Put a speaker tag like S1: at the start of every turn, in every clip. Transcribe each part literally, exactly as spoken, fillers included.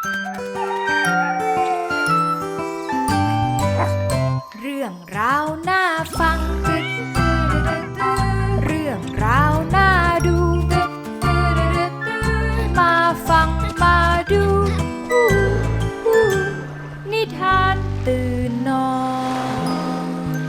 S1: เรื่องราวน่าฟังเรื่องราวน่าดูมาฟังมาดูนิทานตื่นนอน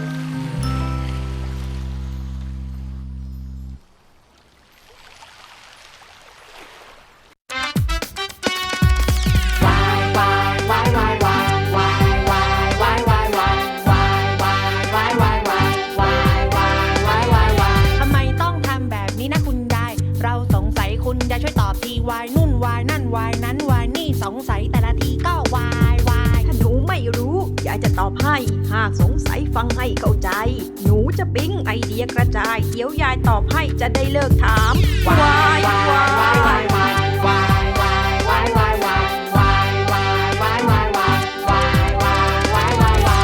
S2: จะช่วยตอบทีวายนุ่นวายนั่นวายนั้นวายนี่สงสัยแต่ละทีก็วายวาย
S3: ถ้าหนูไม่รู้ยายจะตอบให้หากสงสัยฟังให้เข้าใจหนูจะปิ๊งไอเดียกระจายเดี๋ยวยายตอบให้จะได้เลิกถามวายวายวายวายวายวายวายวายวายวายวายวายวายวายวายวายวายวา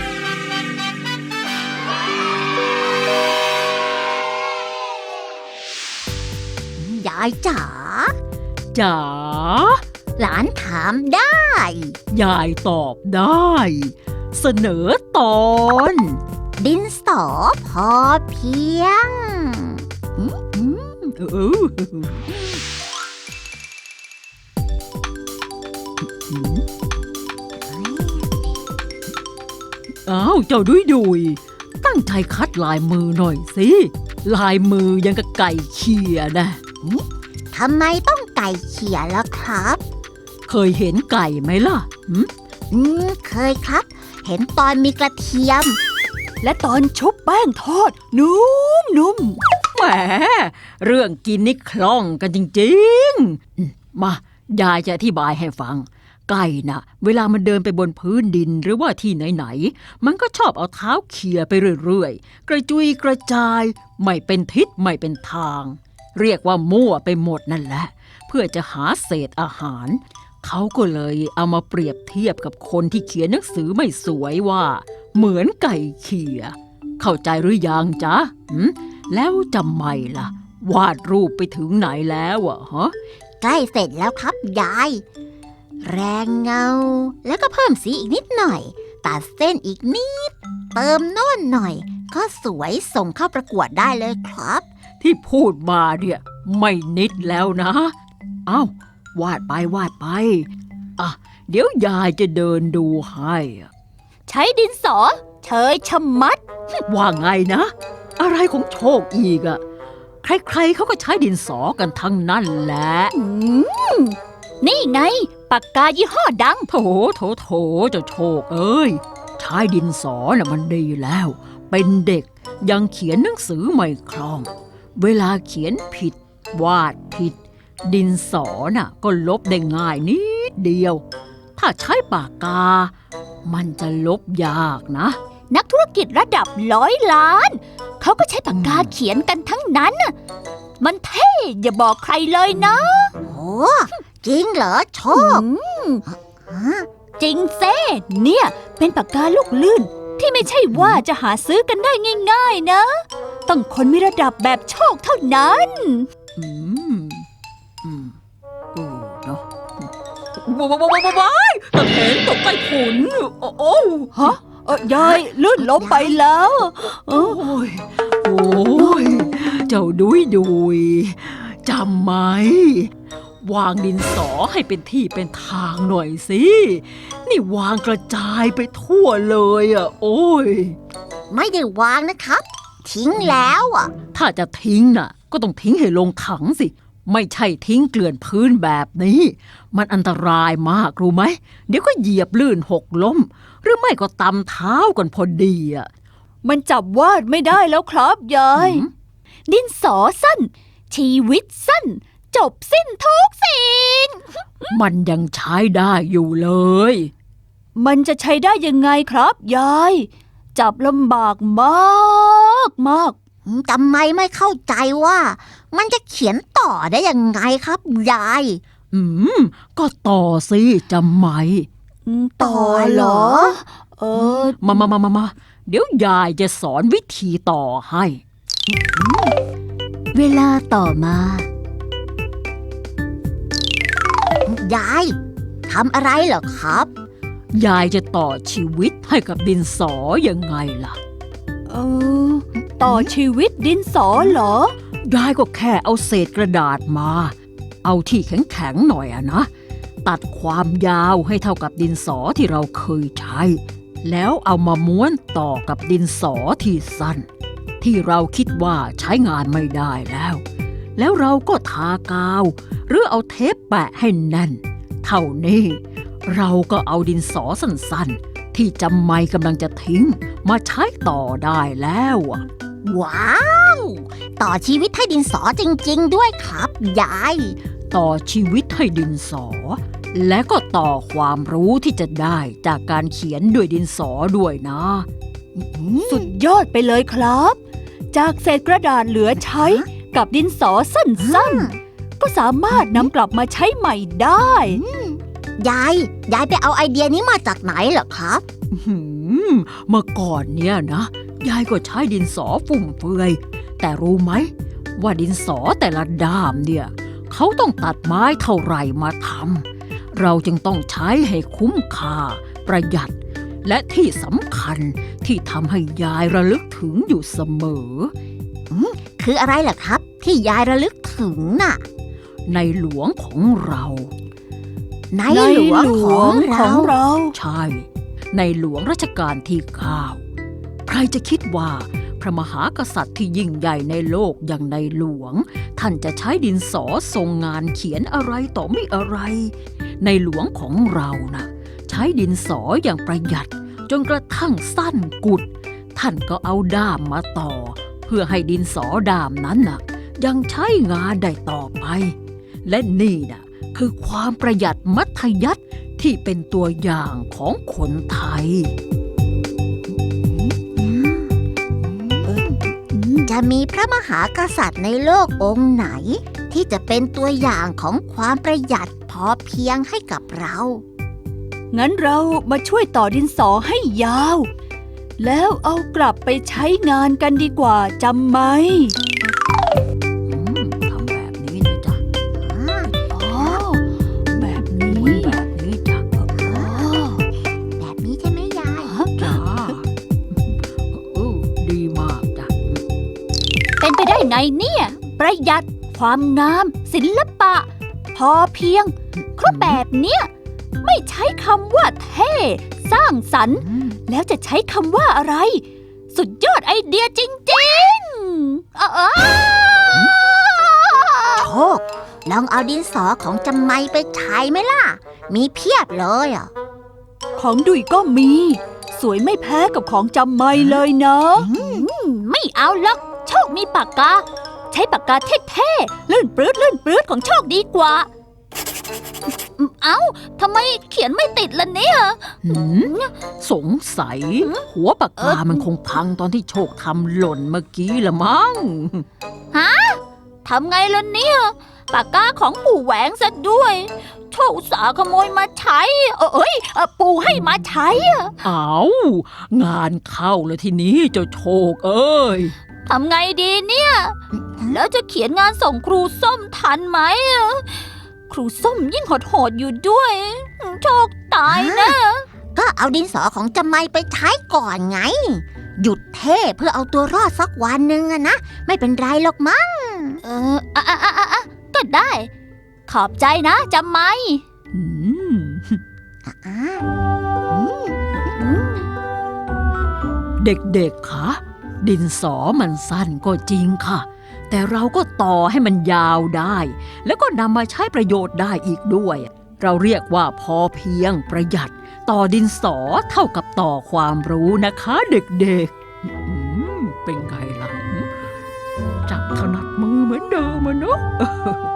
S4: วยายจ๋า
S5: จ๋า
S4: หลานถามได้
S5: ยายตอบได้ เสนอตอน
S4: ดินสอพอเพียงอืมอืม
S5: เอออ้าวเจ้าดุยดุยตั้งใจคัดลายมือหน่อยสิลายมือยังกับไก่เขี่ยนะ
S4: ทำไมต้องไก่เขี่ยล่ะครับ
S5: เคยเห็นไก่ไหมล่ะ
S4: อืมเคยครับเห็นตอนมีกระเทียม
S3: และตอนชุบแป้งทอดนุ่มนุ่ม
S5: แหมเรื่องกินนี่คล่องกันจริงๆมายายจะอธิบายให้ฟังไก่น่ะเวลามันเดินไปบนพื้นดินหรือว่าที่ไหนๆมันก็ชอบเอาเท้าเขี่ยไปเรื่อยๆกระจุยกระจายไม่เป็นทิศไม่เป็นทางเรียกว่ามั่วไปหมดนั่นแหละเพื่อจะหาเศษอาหารเขาก็เลยเอามาเปรียบเทียบกับคนที่เขียนหนังสือไม่สวยว่าเหมือนไก่เขี่ยเข้าใจหรือยังจ๊ะแล้วจำไม่ล่ะวาดรูปไปถึงไหนแล้วอะฮะ
S4: ใกล้เสร็จแล้วครับยายแรงเงาแล้วก็เพิ่มสีอีกนิดหน่อยตัดเส้นอีกนิดเติมโน่นหน่อยก็สวยส่งเข้าประกวดได้เลยครับ
S5: ที่พูดมาเนี่ยไม่นิดแล้วนะเอ้าวาดไปวาดไปอ่ะเดี๋ยวยายจะเดินดูให้
S3: ใช้ดินสอเชยชะมัด
S5: ว่าไงนะอะไรของโชคอีกอะใครๆเขาก็ใช้ดินสอกันทั้งนั้นแหละ
S3: นี่ไงปากกายี่ห้อดัง
S5: โถโถโถเจ้าโชคเอ้ยใช้ดินสอน่ะมันดีแล้วเป็นเด็กยังเขียนหนังสือไม่คล่องเวลาเขียนผิดวาดผิดดินสอน่ะก็ลบได้ง่ายนิดเดียวถ้าใช้ปากกามันจะลบยากนะ
S3: นักธุรกิจระดับร้อยล้านเขาก็ใช้ปากกาเขียนกันทั้งนั้นน่ะมันเท่อย่าบอกใครเลยนะ
S4: โอ้จริงเหรอโชค
S3: จริงเซ่เนี่ยเป็นปากกาลูกลื่นที่ไม่ใช่ว่าจะหาซื้อกันได้ง่ายๆนะต้องคนมีระดับแบบโชคเท่านั้น
S5: อืมอืมโอ้เนาะว้าวว้าวว้าวตะเห็นตกใต้ถุนโอ้โอ้
S3: ฮะเออยายลื่นล้มไปแล้ว
S5: โอ้ยโอ้ยเจ้าดุยดุยจำไหมวางดินสอให้เป็นที่เป็นทางหน่อยสินี่วางกระจายไปทั่วเลยอ่ะโอ้ย
S4: ไม่ได้วางนะครับทิ้งแล้วอ่ะ
S5: ถ้าจะทิ้งน่ะก็ต้องทิ้งให้ลงถังสิไม่ใช่ทิ้งเกลื่อนพื้นแบบนี้มันอันตรายมากรู้ไหมเดี๋ยวก็เหยียบลื่นหกล้มหรือไม่ก็ตำเท้ากันพอดีอ่ะ
S3: มันจับวาดไม่ได้แล้วครับยายดินสอสั้นชีวิตสั้นจบสิ้นทุกสิ่ง
S5: มันยังใช้ได้อยู่เลย
S3: มันจะใช้ได้ยังไงครับยายจับลำบากมากมาก
S4: ทำไมไม่เข้าใจว่ามันจะเขียนต่อได้ยังไงครับยาย
S5: อืมก็ต่อสิจำไหม
S3: ต่อเหรอเออ
S5: มามามามามาเดี๋ยวยายจะสอนวิธีต่อให้
S4: เวลาต่อมา ยายทำอะไรเหรอครับ
S5: ยายจะต่อชีวิตให้กับดินสอยังไงล่ะ
S1: เออ ต่อชีวิตดินสอเหรอ
S5: ยายก็แค่เอาเศษกระดาษมา เอาที่แข็งๆหน่อยอะนะ ตัดความยาวให้เท่ากับดินสอที่เราเคยใช้ แล้วเอามาม้วนต่อกับดินสอที่สั้น ที่เราคิดว่าใช้งานไม่ได้แล้ว แล้วเราก็ทากาว หรือเอาเทปแปะให้แน่น เท่านี้เราก็เอาดินสอสั้นๆที่จำไม่กำลังจะทิ้งมาใช้ต่อได้แล้วอะ
S4: ว้าว ต่อชีวิตให้ดินสอจริงๆด้วยครับยาย
S5: ต่อชีวิตให้ดินสอ และก็ต่อความรู้ที่จะได้จากการเขียนด้วยดินสอด้วยนะ
S1: สุดยอดไปเลยครับ จากเศษกระดาษเหลือใช้กับดินสอสั้นๆ ก็สามารถนำกลับมาใช้ใหม่ได้
S4: ยาย ยายไปเอาไอเดียนี้มาจากไหนเหรอครับ
S5: หืมเมื่อก่อนเนี่ยนะยายก็ใช้ดินสอฟุ่มเฟือย แต่รู้ไหมว่าดินสอแต่ละด้ามเนี่ยเขาต้องตัดไม้เท่าไหร่มาทำเราจึงต้องใช้ให้คุ้มค่าประหยัด และที่สำคัญที่ทำให้ยายระลึกถึงอยู่เสมอ
S4: คืออะไรล่ะครับ ที่ยายระลึกถึงน่ะ
S5: ในหลวงของเรา
S4: ใน
S1: ใน
S4: หลวง
S1: หล
S4: ข
S1: ว
S4: อง ง
S1: ขอ
S4: เรา
S1: งเรา
S5: ใช่ ในหลวงรัชกาลที่เก้าใครจะคิดว่าพระมหากษัตริย์ที่ยิ่งใหญ่ในโลกอย่างในหลวง ท่านจะใช้ดินสอทรงงานเขียนอะไรต่อไม่อะไร ในหลวงของเรานะ่ะใช้ดินสออย่างประหยัดจนกระทั่งสั้นกุด ท่านก็เอาด้ามมาต่อ เพื่อให้ดินสอด้ามนั้นน่ะยังใช้งานได้ต่อไป และนี่น่ะคือความประหยัดมัธยัสถ์ที่เป็นตัวอย่างของคนไทย
S4: จะมีพระมหากษัตริย์ในโลกองค์ไหน ที่จะเป็นตัวอย่างของความประหยัดพอเพียงให้กับเรา
S1: งั้นเรามาช่วยต่อดินสอให้ยาว แล้วเอากลับไปใช้งานกันดีกว่าจำไหม
S5: อืมทำแบบนี้นะจ๊ะ
S1: อ๋อ แบบนี้
S5: ม้วนแบบนี้จ้ะ
S1: อ๋อ
S4: แบบนี้ใช่ไหมยาย
S5: จ้าเออดีมากจ้ะ
S1: เป็นไปได้ไงเนี่ย ประหยัดความงาม ศิลปะ พอเพียงครบแบบเนี้ยไม่ใช้คำว่าเท่ สร้างสรรค์ แล้วจะใช้คำว่าอะไร สุดยอดไอเดียจริงๆเออ
S4: โชค ลองเอาดินสอของจำไม่ไปใช้ไหมล่ะ มีเพียบเลยอ่ะ
S1: ของดุยก็มี สวยไม่แพ้กับของจำไม่เลยนะ ไม่เอาหรอกโชคมีปากกา ใช้ปากกาเท่ๆลื่นปลื้ดลื่นปลื้ดของโชคดีกว่า เอ้าทำไมเขียนไม่ติดล่ะเนี่ย
S5: หืมสงสัย หัวปากกามันคงพังตอนที่โชคทำหล่นเมื่อกี้ละมั้ง
S1: ทำไงล่ะเนี่ย ปากกาของปู่แหวงซะด้วย โชคอุตส่าห์ขโมยมาใช้ เอ้ยเอ่อปู่ให้มาใช้
S5: เอางานเข้าแล้วทีนี้เจ้าโชคเอ้ย
S1: ทำไงดีเนี่ย แล้วจะเขียนงานส่งครูส้มทันไหม ครูส้มยิ่งโหดๆอยู่ด้วย โชคตายนะ
S4: ก็เอาดินสอของจำไม่ไปใช้ก่อนไง หยุดเท่เพื่อเอาตัวรอดสักวันหนึ่งอะนะ ไม่เป็นไรหรอกมั้ง
S1: เอออ่ะอ่ะอ่ะอ่ะก็ได้ ขอบใจนะจำไหม
S5: อืม
S4: อ่า
S5: เด็กๆ คะ ดินสอมันสั้นก็จริงค่ะ แต่เราก็ต่อให้มันยาวได้ แล้วก็นำมาใช้ประโยชน์ได้อีกด้วย เราเรียกว่าพอเพียงประหยัด ต่อดินสอเท่ากับต่อความรู้นะคะเด็กๆอืมเป็นไงล่ะ จับถนัดมือเหมือนเดิมอะเนาะ